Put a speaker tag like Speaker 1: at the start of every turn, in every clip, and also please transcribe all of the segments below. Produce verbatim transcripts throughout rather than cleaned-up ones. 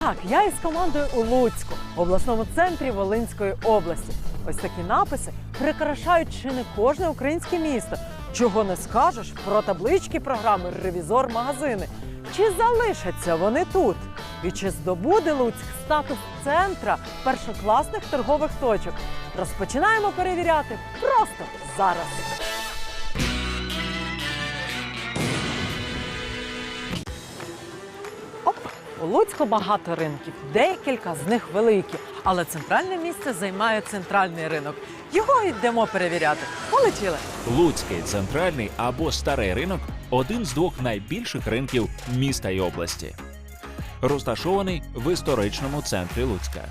Speaker 1: Так, я із командою у Луцьку, в обласному центрі Волинської області. Ось такі написи прикрашають чи не кожне українське місто. Чого не скажеш про таблички програми «Ревізор-магазини». Чи залишаться вони тут? І чи здобуде Луцьк статус центра першокласних торгових точок? Розпочинаємо перевіряти просто зараз. Оп! У Луцьку багато ринків, декілька з них великі. Але центральне місце займає центральний ринок. Його йдемо перевіряти. Полетіли!
Speaker 2: Луцький центральний або старий ринок – один з двох найбільших ринків міста і області. Розташований в історичному центрі Луцька.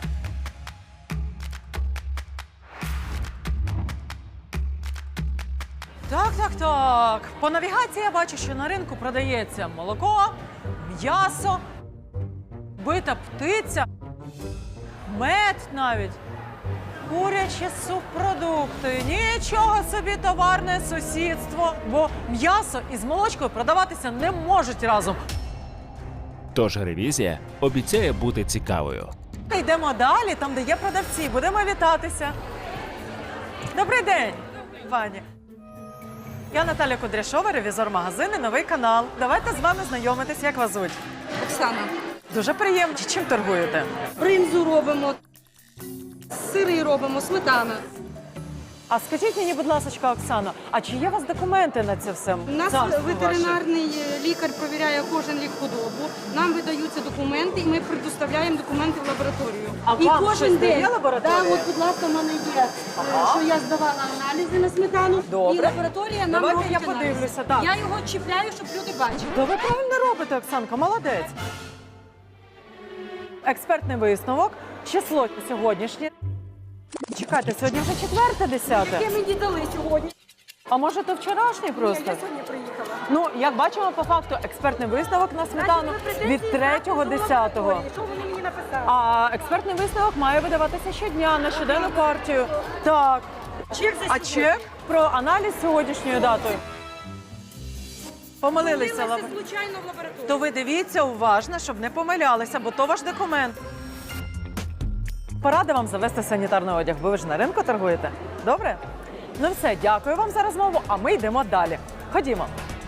Speaker 1: Так, так, так. По навігації я бачу, що на ринку продається молоко, м'ясо, бита птиця, мед навіть, курячі субпродукти. Нічого собі товарне сусідство, бо м'ясо із молочкою продаватися не можуть разом.
Speaker 2: Тож ревізія обіцяє бути цікавою.
Speaker 1: Йдемо далі, там, де є продавці. Будемо вітатися. Добрий день, пані. Я Наталя Кудряшова, ревізор магазину «Новий канал». Давайте з вами знайомитись, як вас звуть.
Speaker 3: Оксана.
Speaker 1: Дуже приємно. Чим торгуєте?
Speaker 3: Бринзу робимо, сири робимо, сметана.
Speaker 1: А скажіть мені, будь ласка, Оксано, а чи є у вас документи на це все?
Speaker 3: У нас
Speaker 1: Царство
Speaker 3: ветеринарний лікар перевіряє кожен рік худобу. Нам видаються документи, і ми предоставляємо документи в лабораторію.
Speaker 1: А
Speaker 3: і
Speaker 1: вам
Speaker 3: кожен
Speaker 1: щось
Speaker 3: день.
Speaker 1: дає лабораторія?
Speaker 3: Да, от, будь ласка, в мене є,
Speaker 1: Ага.
Speaker 3: що я здавала аналізи на сметану.
Speaker 1: Добре.
Speaker 3: І лабораторія нам
Speaker 1: Давайте
Speaker 3: робить
Speaker 1: я
Speaker 3: аналіз.
Speaker 1: подивлюся, так.
Speaker 3: Я його чіпляю, щоб люди бачили.
Speaker 1: То ви правильно робите, Оксанка, молодець. Експертний висновок, число сьогоднішнє. Чекайте, сьогодні вже четверте, десяте.
Speaker 3: Яке мені дали сьогодні?
Speaker 1: А може, то вчорашнє просто?
Speaker 3: Я сьогодні приїхала.
Speaker 1: Ну, як бачимо, по факту, експертний висновок на сметану від третього десятого.
Speaker 3: Що вони мені написали?
Speaker 1: А експертний висновок має видаватися щодня на щоденну партію. Так.
Speaker 3: Чек за
Speaker 1: А чек про аналіз сьогоднішньою датою? Помилилися.
Speaker 3: Помилилася
Speaker 1: лаб-
Speaker 3: случайно в лабораторії.
Speaker 1: То ви дивіться уважно, щоб не помилялися, бо то ваш документ. Порада вам завести санітарний одяг, бо ви ж на ринку торгуєте. Добре? Ну все, дякую вам за розмову, а ми йдемо далі. Ходімо.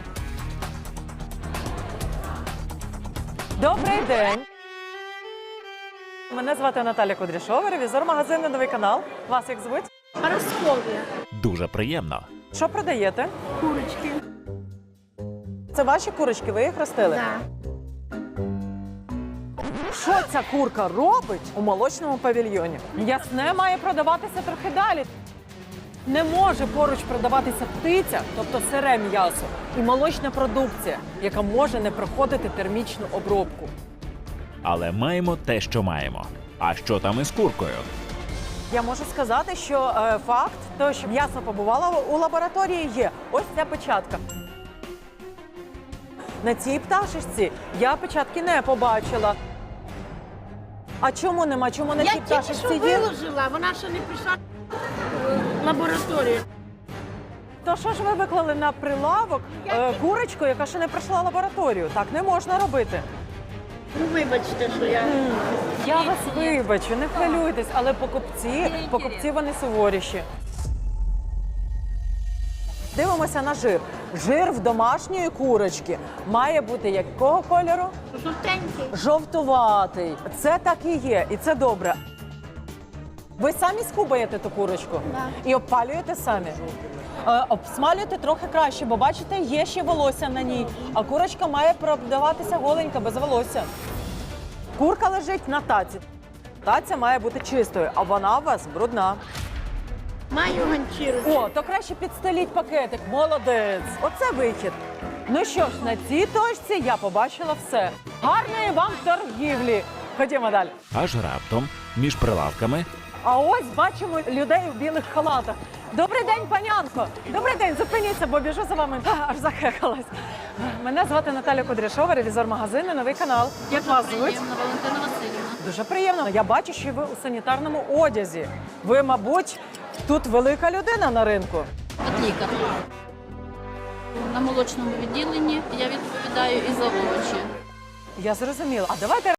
Speaker 1: Добрий день. Мене звати Наталя Кудряшова, ревізор магазину «Новий канал». Вас як звуть?
Speaker 3: Параскові.
Speaker 2: Дуже приємно.
Speaker 1: Що продаєте?
Speaker 3: Курочки.
Speaker 1: Це ваші курочки, ви їх ростили?
Speaker 3: Да.
Speaker 1: Що ця курка робить у молочному павільйоні? Ясне має продаватися трохи далі. Не може поруч продаватися птиця, тобто сире м'ясо, і молочна продукція, яка може не проходити термічну обробку.
Speaker 2: Але маємо те, що маємо. А що там із куркою?
Speaker 1: Я можу сказати, що е, факт того, що м'ясо побувало у лабораторії, є. Ось ця печатка. На цій пташечці я печатки не побачила. А чому нема? Чому на
Speaker 4: Я
Speaker 1: цій
Speaker 4: тільки що
Speaker 1: пташечці є?
Speaker 4: виложила, вона ще не прийшла в лабораторію.
Speaker 1: То що ж ви виклали на прилавок е, курочку, яка ще не пройшла лабораторію? Так не можна робити.
Speaker 4: Ну, вибачте, що я...
Speaker 1: Я вас вибачу, не хвилюйтесь, але покупці, покупці вони суворіші. Дивимося на жир. Жир в домашньої курочки має бути якого кольору?
Speaker 4: Жовтенький.
Speaker 1: Жовтуватий. Це так і є, і це добре. Ви самі скубаєте ту курочку?
Speaker 4: Да.
Speaker 1: І обпалюєте самі? Е, обсмалюєте трохи краще, бо бачите, є ще волосся на ній. А курочка має продаватися голенька, без волосся. Курка лежить на таці. Таця має бути чистою, а вона у вас брудна.
Speaker 4: Маю ганчірочку.
Speaker 1: О, то краще підстеліть пакетик. Молодець. Оце вихід. Ну що ж, на цій точці я побачила все. Гарної вам торгівлі. Ходімо далі.
Speaker 2: Аж раптом між прилавками
Speaker 1: А ось бачимо людей у білих халатах. Добрий день, панянко! Добрий день, зупиніться, бо біжу за вами. А, аж захекалась. Мене звати Наталя Кудряшова, ревізор магазину «Новий канал». Як вас звуть?
Speaker 4: Приємно, Валентина Васильівна.
Speaker 1: Дуже приємно. Я бачу, що ви у санітарному одязі. Ви, мабуть, тут велика людина на ринку.
Speaker 4: От лікар. На молочному відділенні я відповідаю і за овочі.
Speaker 1: Я зрозуміла. А давайте